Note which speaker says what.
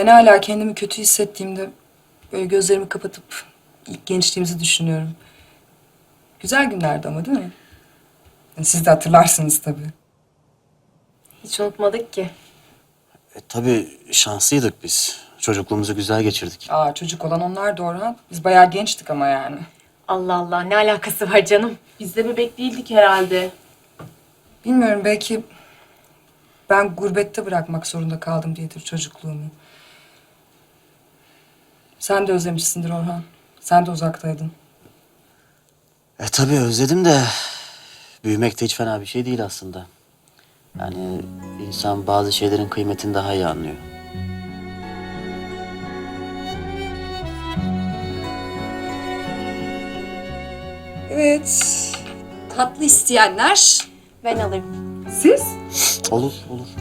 Speaker 1: Ben hala kendimi kötü hissettiğimde böyle gözlerimi kapatıp ilk gençliğimizi düşünüyorum. Güzel günlerdi ama değil mi? Siz de hatırlarsınız tabii.
Speaker 2: Hiç unutmadık ki.
Speaker 3: Tabii şanslıydık biz. Çocukluğumuzu güzel geçirdik.
Speaker 1: Aa, çocuk olan onlar da Orhan. Biz bayağı gençtik ama yani.
Speaker 2: Allah Allah, ne alakası var canım?
Speaker 4: Biz de bebek değildik herhalde.
Speaker 1: Bilmiyorum, belki ben gurbette bırakmak zorunda kaldım diyedir çocukluğumu. Sen de özlemişsindir Orhan. Sen de uzaktaydın.
Speaker 3: Tabii özledim de büyümek de hiç fena bir şey değil aslında. Yani insan bazı şeylerin kıymetini daha iyi anlıyor.
Speaker 5: Evet. Tatlı isteyenler.
Speaker 2: Ben alayım.
Speaker 1: Siz?
Speaker 3: Olur, olur.